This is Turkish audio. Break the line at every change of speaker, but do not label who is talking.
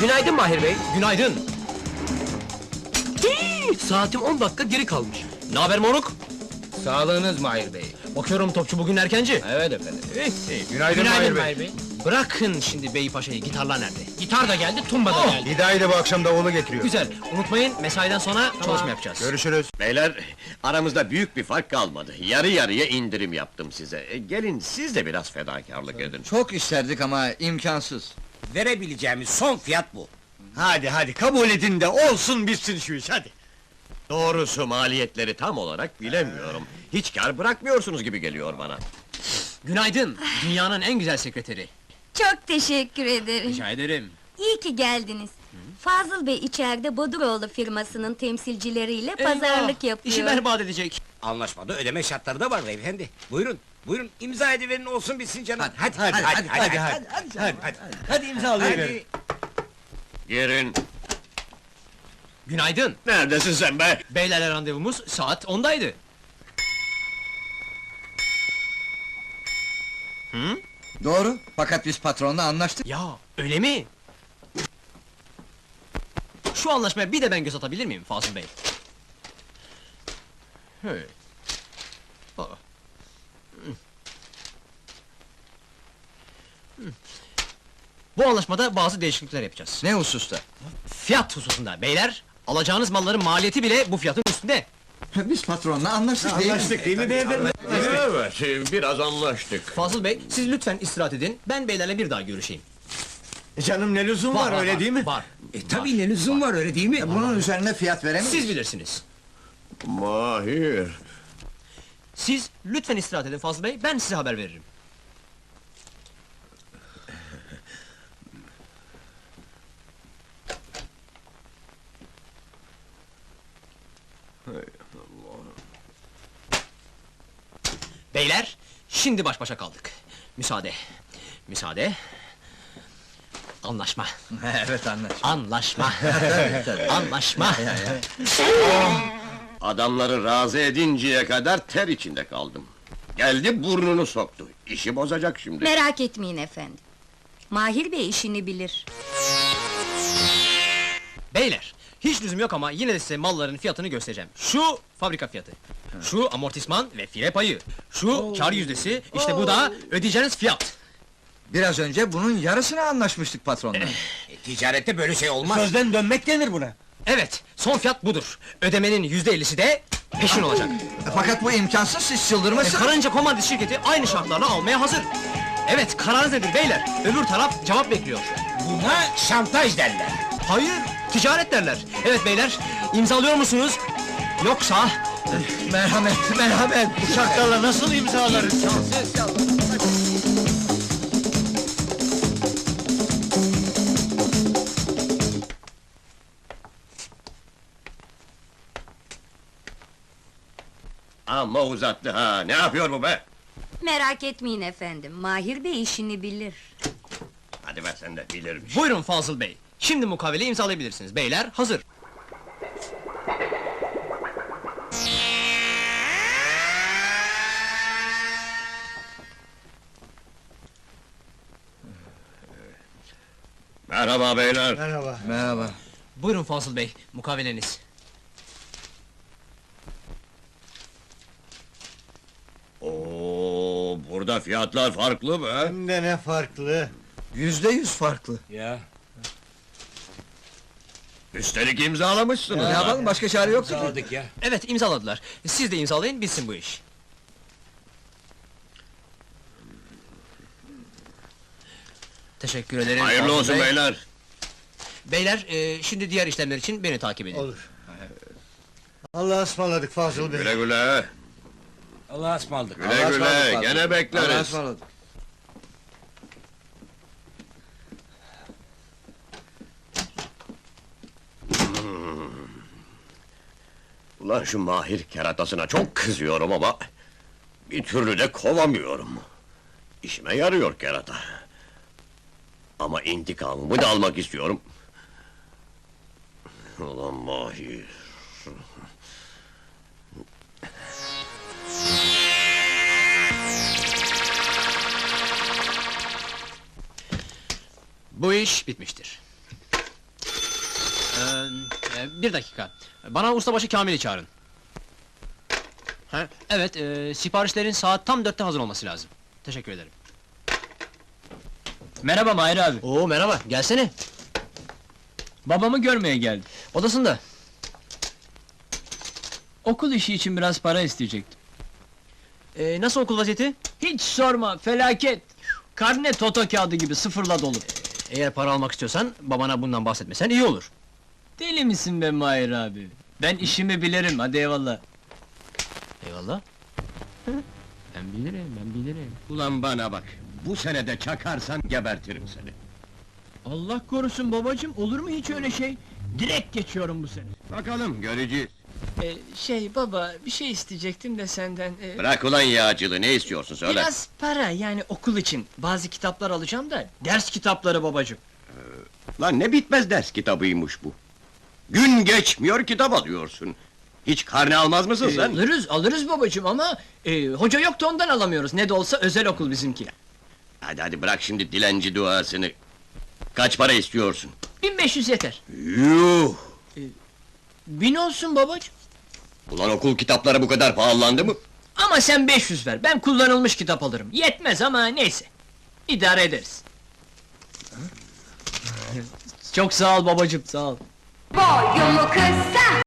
Günaydın Mahir Bey.
Günaydın.
Saatim 10 dakika geri kalmış.
Naber moruk?
Sağlığınız Mahir Bey.
Bakıyorum topçu bugün erkenci.
Evet efendim.
Günaydın Mahir Bey.
Bırakın şimdi Beypaşa'yı, gitarlar nerede? Gitar da geldi, tumba da geldi.
Hidayet de bu akşam davulu getiriyor.
Güzel, unutmayın mesaiden sonra çalışma yapacağız.
Görüşürüz.
Beyler, aramızda büyük bir fark kalmadı. Yarı yarıya indirim yaptım size. Gelin siz de biraz fedakarlık edin.
Çok isterdik ama imkansız.
Verebileceğimiz son fiyat bu.
Hadi kabul edin de olsun bitsin şu iş hadi.
Doğrusu maliyetleri tam olarak bilemiyorum. Hiç kar bırakmıyorsunuz gibi geliyor bana.
Günaydın, dünyanın en güzel sekreteri.
Çok teşekkür ederim.
Rica ederim.
İyi ki geldiniz. Fazıl Bey içeride Boduroğlu firmasının temsilcileriyle pazarlık yapıyor.
İşi berbat edecek.
Anlaşmada ödeme şartları da var beyefendi. Buyurun, buyurun imza ediverin olsun bitsin canım.
Hadi imzalayıverin.
Girin.
Günaydın.
Neredesin sen be?
Beylerle randevumuz saat 10'daydı.
Doğru, fakat biz patronla anlaştık.
Ya, öyle mi? Şu anlaşmaya bir de ben göz atabilir miyim Fazıl Bey? Hey. Aa. Bu anlaşmada bazı değişiklikler yapacağız.
Ne hususta?
Fiyat hususunda beyler, alacağınız malların maliyeti bile bu fiyatın üstünde.
Biz patronla anlaştık değil mi?
Anlaştık değil mi beyefendi?
Evet, biraz anlaştık.
Fazıl Bey, siz lütfen istirahat edin, ben beylerle bir daha görüşeyim.
Canım ne lüzum var, öyle değil mi?
Var.
Tabii ne lüzum var öyle değil mi?
Bunun üzerine fiyat veremeyiz.
Siz bilirsiniz.
Mahir.
Siz lütfen istirahat edin Fazıl Bey, ben size haber veririm. Beyler, şimdi baş başa kaldık. Müsaade. Müsaade. Anlaşma.
Evet, anlaştık.
Anlaşma.
Tabii.
Anlaşma.
Adamları razı edinceye kadar ter içinde kaldım. Geldi burnunu soktu. İşi bozacak şimdi.
Merak etmeyin efendim. Mahir Bey işini bilir.
Beyler, hiç lüzum yok ama yine de size malların fiyatını göstereceğim. Şu fabrika fiyatı, şu amortisman ve fire payı, şu kar yüzdesi, işte bu da ödeyeceğiniz fiyat.
Biraz önce bunun yarısını anlaşmıştık patronla.
Ticarette böyle şey olmaz.
Sözden dönmek denir buna.
Evet, son fiyat budur. Ödemenin %50'si de peşin olacak.
Fakat bu imkansız, siz çıldırmasınız.
Karınca Komandit şirketi aynı şartlarla almaya hazır. Evet, kararınız nedir beyler? Öbür taraf cevap bekliyor.
Buna şantaj derler.
Hayır, ticaret derler. Evet beyler, imzalıyor musunuz? Yoksa...
Merhamet.
Uçaklarla nasıl imzalarız?
Amma uzattı ha, ne yapıyor bu be?
Merak etmeyin efendim, Mahir Bey işini bilir.
Hadi be sen de bilirmiş.
Buyurun Fazıl Bey, şimdi mukaveleyi imzalayabilirsiniz. Beyler, hazır.
Merhaba beyler.
Merhaba.
Buyurun Fazıl Bey, mukaveleniz.
Oo, burada fiyatlar farklı be.
Hem de ne farklı.
%100 farklı.
Ya.
Üstelik imzalamışsınız.
Ne
ha.
yapalım, başka çare yoktu ki.
Sağladık ya.
Evet, imzaladılar. Siz de imzalayın, bitsin bu iş. Teşekkür ederim.
Hayırlı
Fazıl
olsun
Bey.
beyler.
Beyler, şimdi diğer işlemler için beni takip edin.
Olur. Allah'a ısmarladık Fazıl Bey.
Güle güle.
Allah'a ısmarladık.
Güle
Allah'a
güle,
ısmarladık
gene
patron. Allah'a
bekleriz.
ısmarladık.
Ulan şu Mahir keratasına çok kızıyorum ama... ...bir türlü de kovamıyorum. İşime yarıyor kerata. Ama intikamımı da almak istiyorum. Ulan Mahir...
Bu iş bitmiştir. Bir dakika. Bana ustabaşı Kamil'i çağırın. Ha, evet, siparişlerin saat tam 4'te hazır olması lazım. Teşekkür ederim.
Merhaba Mahir abi.
Oo merhaba, gelsene.
Babamı görmeye geldim.
Odasında.
Okul işi için biraz para isteyecektim.
Nasıl okul vaziyeti?
Hiç sorma, felaket! Karne toto kağıdı gibi sıfırla dolu.
Eğer para almak istiyorsan, babana bundan bahsetmesen iyi olur.
Deli misin be Mahir abi? Ben işimi bilirim, hadi eyvallah.
Eyvallah.
Ben bilirim.
Ulan bana bak, bu senede çakarsan gebertirim seni.
Allah korusun babacığım, olur mu hiç öyle şey? Direkt geçiyorum bu sene.
Bakalım, göreceğiz.
Baba, bir şey isteyecektim de senden...
Bırak ulan yağcılığı, ne istiyorsun söyle.
Biraz para, yani okul için. Bazı kitaplar alacağım da, ders kitapları babacığım.
Lan ne bitmez ders kitabıymış bu. Gün geçmiyor kitap alıyorsun. Hiç karne almaz mısın sen?
Alırız babacığım ama... hoca yok da ondan alamıyoruz, ne de olsa özel okul bizimki.
Hadi bırak şimdi dilenci duasını. Kaç para istiyorsun?
1500 yeter.
Yuh!
1000 olsun babacığım.
Ulan okul kitapları bu kadar pahalandı mı?
Ama sen 500 ver, ben kullanılmış kitap alırım. Yetmez ama neyse. İdare ederiz. Çok sağ ol babacığım, sağ ol.
Boyumu kısa,